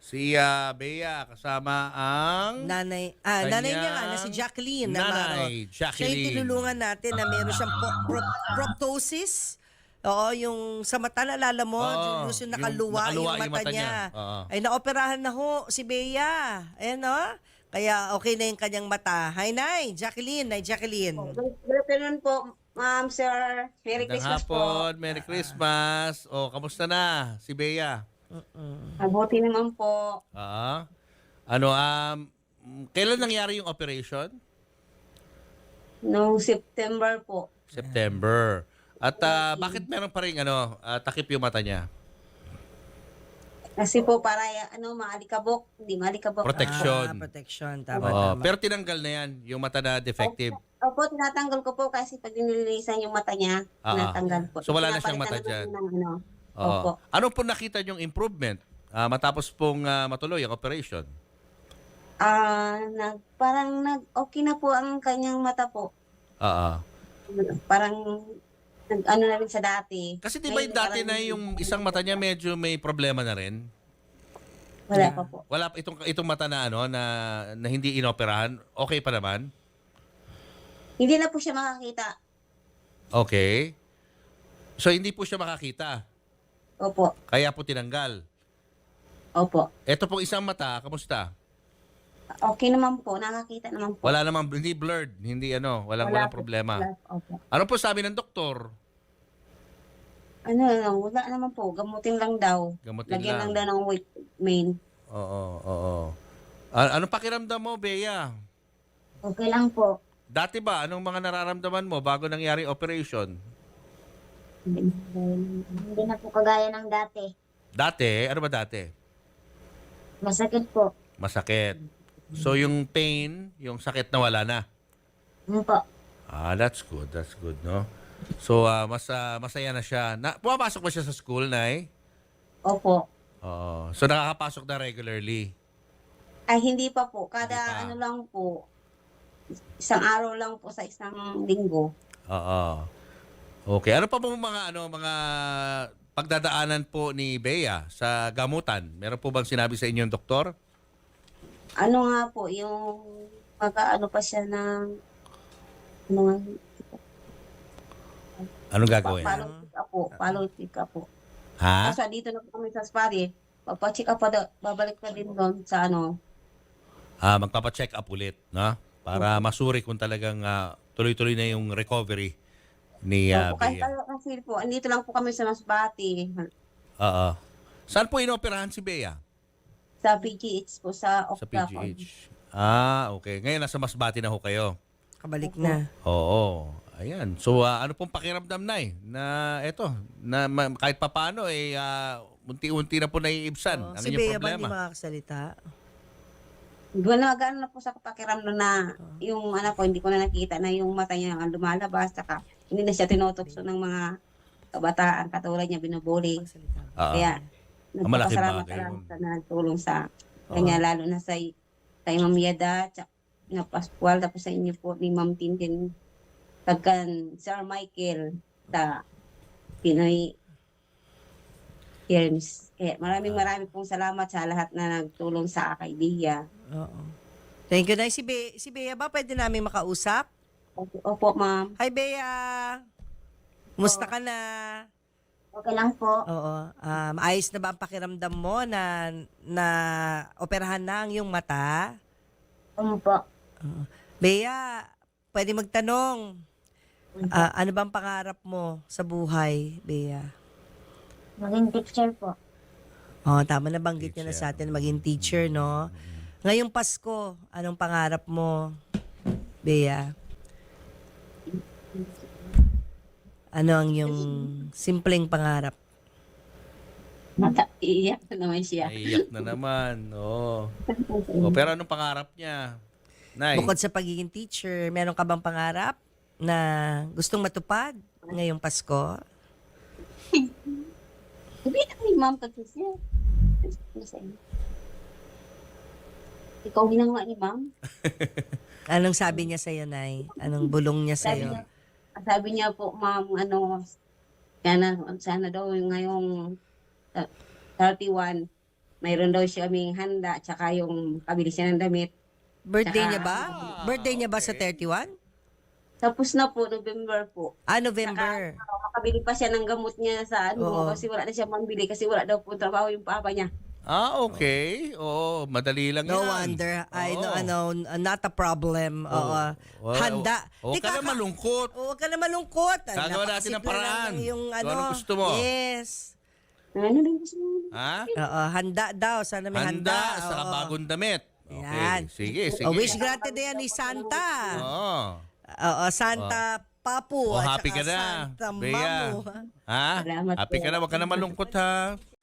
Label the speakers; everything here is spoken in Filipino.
Speaker 1: Si Bea kasama ang
Speaker 2: Nanay niya nga na si Jacqueline Navarro.
Speaker 1: nanay,
Speaker 2: Siya yung
Speaker 1: Jacqueline.
Speaker 2: tinulungan natin na meron siyang proptosis. Oo, yung sa mata, nalala mo,
Speaker 1: Oo,
Speaker 2: Julius, yung nakaluwa yung mata niya.
Speaker 1: Oo.
Speaker 2: Ay, naoperahan na ho si Bea. Ayan, no? Kaya okay na yung kanyang mata. Hi, Nay. Jacqueline. Nay, Jacqueline.
Speaker 3: Good afternoon po, ma'am, sir. Merry
Speaker 1: Magandang
Speaker 3: Christmas po.
Speaker 1: hapon, Merry Christmas. O, kamusta na si Bea?
Speaker 3: Mabuti naman po.
Speaker 1: Ano, kailan nangyari yung operation?
Speaker 3: Noong September po.
Speaker 1: September. At bakit meron pa rin takip yung mata niya?
Speaker 3: Kasi po para maalikabok. Hindi maalikabok.
Speaker 1: Protection.
Speaker 2: Protection. Tama,
Speaker 1: Oo,
Speaker 2: tama.
Speaker 1: pero tinanggal na yan, yung mata na defective.
Speaker 3: Opo, tinatanggal ko po kasi pag nililisan yung mata niya, tinatanggal po.
Speaker 1: So, wala na siyang mata
Speaker 3: Pinapalitan
Speaker 1: dyan?
Speaker 3: naman ng
Speaker 1: Oo.
Speaker 3: Opo.
Speaker 1: Ano po nakita yung improvement matapos pong matuloy ang operation?
Speaker 3: Okay na po ang kanyang mata po.
Speaker 1: Oo.
Speaker 3: Parang nag-ano na rin sa dati.
Speaker 1: Kasi di ba yung dati na yung isang mata niya medyo may problema na rin?
Speaker 3: Wala pa po.
Speaker 1: Wala itong mata na na hindi inoperahan, okay pa naman?
Speaker 3: Hindi na po siya makakita.
Speaker 1: Okay. So hindi po siya makakita.
Speaker 3: Opo.
Speaker 1: Kaya po tinanggal.
Speaker 3: Opo.
Speaker 1: Ito pong isang mata, kamusta?
Speaker 3: Okay naman po. Nakakita naman po.
Speaker 1: Wala namang, hindi blurred, hindi walang
Speaker 3: Wala po.
Speaker 1: problema.
Speaker 3: Opo.
Speaker 1: Ano po sabi ng doktor?
Speaker 3: Wala naman po. Gamutin lang daw.
Speaker 1: Gamutin
Speaker 3: Lagyan
Speaker 1: lang.
Speaker 3: lang daw ng weight main.
Speaker 1: Oo. Ano pakiramdam mo, Bea?
Speaker 3: Okay lang po.
Speaker 1: Dati ba, anong mga nararamdaman mo bago nangyari operation?
Speaker 3: Hindi na po kagaya ng dati.
Speaker 1: Dati? Ano ba dati?
Speaker 3: Masakit po.
Speaker 1: Masakit. So yung pain, yung sakit na wala na.
Speaker 3: Ano po?
Speaker 1: That's good. That's good, no? So, masaya na siya. Pumapasok ba siya sa school, Nay?
Speaker 3: Opo.
Speaker 1: So, nakakapasok na regularly?
Speaker 3: Ay, hindi pa po.
Speaker 1: Hindi pa.
Speaker 3: Kada lang po. Isang araw lang po sa isang linggo.
Speaker 1: Oo. Okay. Ano pa po mga pagdadaanan po ni Bea sa gamutan? Meron po bang sinabi sa inyong doktor?
Speaker 3: Ano nga po, yung mag-ano pa siya ng
Speaker 1: Anong gagawin?
Speaker 3: follow pick up po.
Speaker 1: Ha?
Speaker 3: Kaso dito na po kami sa Spari, papacheck up pa daw, babalik pa din doon sa
Speaker 1: Magpapacheck up ulit, no? Para masuri kung talagang tuloy-tuloy na yung recovery ni
Speaker 3: Kahit
Speaker 1: Bea.
Speaker 3: kasi po, andito lang po kami sa Masbate,
Speaker 1: Oo. Saan po inoperahan si Bea?
Speaker 3: sa PGH po, sa
Speaker 1: Sa
Speaker 3: Octa.
Speaker 1: PGH. Okay. Ngayon nasa Masbate na ho kayo.
Speaker 2: Kabalik na.
Speaker 1: Oo. Ayan. So, ano pong pakiramdam, Nay? Na eto, kahit papaano, unti-unti na po naiibsan ang
Speaker 2: Si
Speaker 1: inyong
Speaker 2: Bea ba hindi
Speaker 1: problema.
Speaker 2: makakasalita?
Speaker 3: Gano'n na po sa pakiramdam na yung anak ko, hindi ko na nakita na yung mata niya ang lumalabas, saka hindi na siya tinutokso ng mga kabataan, katulad niya binubuli.
Speaker 2: Makakasalita.
Speaker 1: Oo.
Speaker 3: Kaya,
Speaker 1: malaking
Speaker 3: nagpapasalamat
Speaker 1: bagay
Speaker 3: lang
Speaker 1: yun.
Speaker 3: sa nagtulong sa kanya, lalo na sa kay Ma'am Yada, tsaka na Pascual, tapos sa inyo po ni Ma'am Tintin, pagkan Sir Michael, sa Pinoy Films. Kaya maraming pong salamat sa lahat na nagtulong sa idea.
Speaker 2: Oo. Thank you, Nay. Si Bea ba pwede namin makausap?
Speaker 3: Opo, ma'am.
Speaker 2: Hi, Bea. Kumusta ka na?
Speaker 3: Okay lang po.
Speaker 2: Oo. Maayos na ba ang pakiramdam mo na operahan na ang iyong mata?
Speaker 3: Opo.
Speaker 2: Bea, pwede magtanong. Ano bang pangarap mo sa buhay, Bea?
Speaker 3: Maging teacher po.
Speaker 2: Tama na banggit niya na sa atin maging teacher, no?
Speaker 1: Mm-hmm.
Speaker 2: Ngayong Pasko, anong pangarap mo, Bea? Ano ang iyong simpleng pangarap?
Speaker 3: Iiyak na naman siya.
Speaker 1: Naiiyak na naman. Oo. Pero anong pangarap niya? Nay?
Speaker 2: Bukod sa pagiging teacher, meron ka bang pangarap na gustong matupad ngayong Pasko?
Speaker 3: Sabi na ni ma'am kasi siya. Ikaw ginawa ni ma'am?
Speaker 2: Anong sabi niya sa'yo, Nay? Anong bulong niya sa'yo?
Speaker 3: Sabi niya po, ma'am, sana daw yung ngayong 31, mayroon daw siya aming handa, tsaka yung pabili siya ng damit.
Speaker 2: Birthday
Speaker 3: Tsaka-
Speaker 2: niya ba? Birthday niya ba sa 31?
Speaker 3: Tapos na po, November po.
Speaker 2: November.
Speaker 3: Makabili pa siya ng gamot niya sa
Speaker 2: Oo.
Speaker 3: kasi wala na siya mambili kasi wala daw po trabaho yung papa niya.
Speaker 1: Okay. Oo, madali lang
Speaker 2: No
Speaker 1: yan.
Speaker 2: wonder.
Speaker 1: Oo.
Speaker 2: Not a problem. Oo. Handa.
Speaker 1: Huwag ka na malungkot.
Speaker 2: Huwag ka na malungkot.
Speaker 1: Gagawa natin ng paraan.
Speaker 2: Yung
Speaker 1: Kung anong gusto mo.
Speaker 2: Yes.
Speaker 3: Ano lang gusto mo?
Speaker 1: Ha?
Speaker 2: Oo, handa daw. Sana may handa.
Speaker 1: Handa sa
Speaker 2: Oo.
Speaker 1: bagong damit.
Speaker 2: Yan.
Speaker 1: Okay. Sige.
Speaker 2: Wish granted na yan ni Santa.
Speaker 1: Oo.
Speaker 2: Oo, Santa Papu.
Speaker 1: Oh,
Speaker 2: at
Speaker 1: happy
Speaker 2: saka
Speaker 1: ka na,
Speaker 2: Santa
Speaker 1: Bea.
Speaker 2: Mamu.
Speaker 1: Ha?
Speaker 3: Salamat
Speaker 1: Happy
Speaker 3: po.
Speaker 1: ka na. Huwag ka na malungkot ha.